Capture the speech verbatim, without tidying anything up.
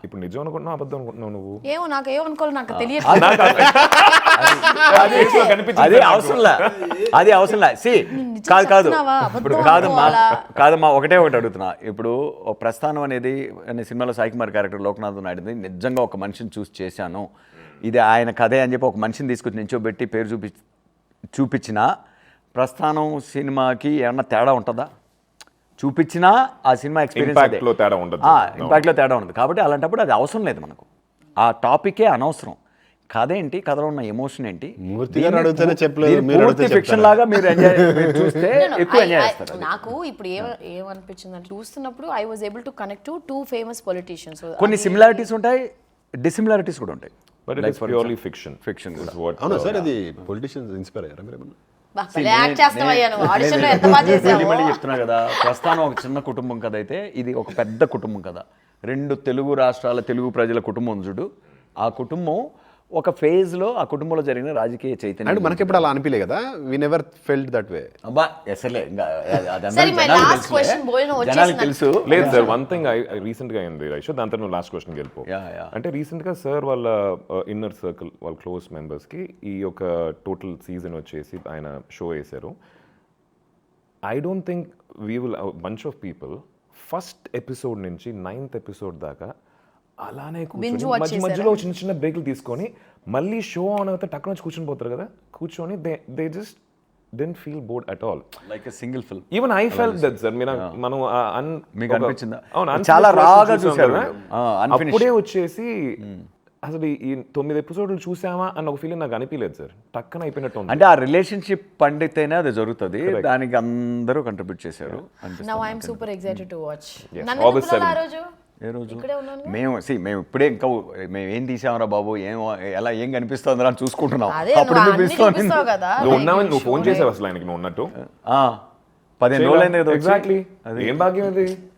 ఇప్పుడు నిజం అనుకుంటున్నావు అబద్ధం అనుకుంటున్నావు నువ్వు? ఏమో నాకు ఏమనుకోవాలి నాకు తెలియదు. అది అవసరంలా అది అవసరంలా సి కాదు కాదు ఇప్పుడు కాదమ్మా కాదమ్మా ఒకటే ఒకటి అడుగుతున్నా. ఇప్పుడు ప్రస్థానం అనేది అనే సినిమాలో సాయి కుమార్ క్యారెక్టర్ లోకనాథ్ నాయుడుది నిజంగా ఒక మనిషిని చూసి చేశాను, ఇది ఆయన కథే అని చెప్పి ఒక మనిషిని తీసుకొచ్చి నించోబెట్టి పేరు చూపి చూపించిన ప్రస్థానం సినిమాకి ఏమన్నా తేడా ఉంటుందా? చూపించినా ఆ సినిమా ఎక్స్పీరియన్స్ ఇంపాక్ట్లో తేడా ఉండదు, ఇంపాక్ట్లో తేడా ఉండదు. కాబట్టి అలాంటప్పుడు అది అవసరం లేదు మనకు, ఆ టాపికే అనవసరం. కథ ఏంటి, కథలో ఉన్న ఎమోషన్ ఏంటి, ఫిక్షన్ లాగా మీరు ఎంజాయ్ చూస్తే ఎక్కువ ఎంజాయ్ చేస్తారు. నాకు ఇప్పుడు ఏమ ఏమనిపించింది అంటే చూస్తున్నప్పుడు I was able to connect to two famous politicians. కొన్ని సిమిలారిటీస్ ఉంటాయి, డిసిమిలారిటీస్ కూడా ఉంటాయి. But it is purely fiction. Fiction కూడా. అవునా సార్, అది పొలిటీషియన్స్ ఇన్స్పైర్ అయ్యారా మీరు ఏమన్నా? మళ్ళీ చెప్తున్నా కదా, ప్రస్థానం ఒక చిన్న కుటుంబం కథ అయితే ఇది ఒక పెద్ద కుటుంబం కదా. రెండు తెలుగు రాష్ట్రాల తెలుగు ప్రజల కుటుంబం చూడు. ఆ కుటుంబం ఒక ఫేజ్ లో ఆ కుటుంబంలో జరిగిన రాజకీయ చైతన్యం అంటే మనకి ఎప్పుడు అలా అనిపించలే కదా, we never felt that way. అబ్బా అసలే తెలుసు లేదు సార్. వన్ థింగ్ రీసెంట్ గా అయింది రైషో, దాని తర్వాత నువ్వు లాస్ట్ క్వశ్చన్ వెళ్ళిపో. అంటే రీసెంట్ గా సార్ వాళ్ళ ఇన్నర్ సర్కిల్ వాళ్ళ క్లోజ్ మెంబర్స్ కి ఈ యొక్క టోటల్ సీజన్ వచ్చేసి ఆయన షో వేశారు. I don't think we will bunch of people first episode నుంచి నైన్త్ ఎపిసోడ్ దాకా అలానే కూర్చొని మధ్య మధ్యలో చిన్న చిన్న బ్రేక్లు తీసుకొని మళ్ళీ షో ఆన్ అవుతే టక్కున వచ్చి కూర్చొని పోతారు కదా, కూర్చొని they they just didn't feel bored at all, like a single film. Even I felt that sir. మీరు మనం మీకు అనిపించిందా? అవును, చాలా రాగా చూసారు. అప్పుడే వచ్చేసి అసలు ఈ తొమ్మిది ఎపిసోడ్లు చూసామా అన్న ఒక ఫీలింగ్ నాకు అనిపించలేదు సార్. టక్కన అయిపోయినట్టు ఉంది. అంటే ఆ రిలేషన్షిప్ పండితేనే అది జరుగుతుంది, దానికి అందరూ కంట్రిబ్యూట్ చేశారు. Now I am super excited to watch. August seventh ఏ రోజు మేము సి మేము ఇప్పుడే ఇంకా మేము ఏం తీసామరా బాబు, ఏం ఎలా ఏం కనిపిస్తుందిరా అని చూసుకుంటున్నాం. అప్పుడు నువ్వు ఉన్నావని నువ్వు ఫోన్ చేసావు అసలు ఆయనకి నువ్వు ఉన్నట్టు. పదిహేను రోజులు అయింది కదా. ఎగ్జాక్ట్లీ. ఏం భాగ్యం అది.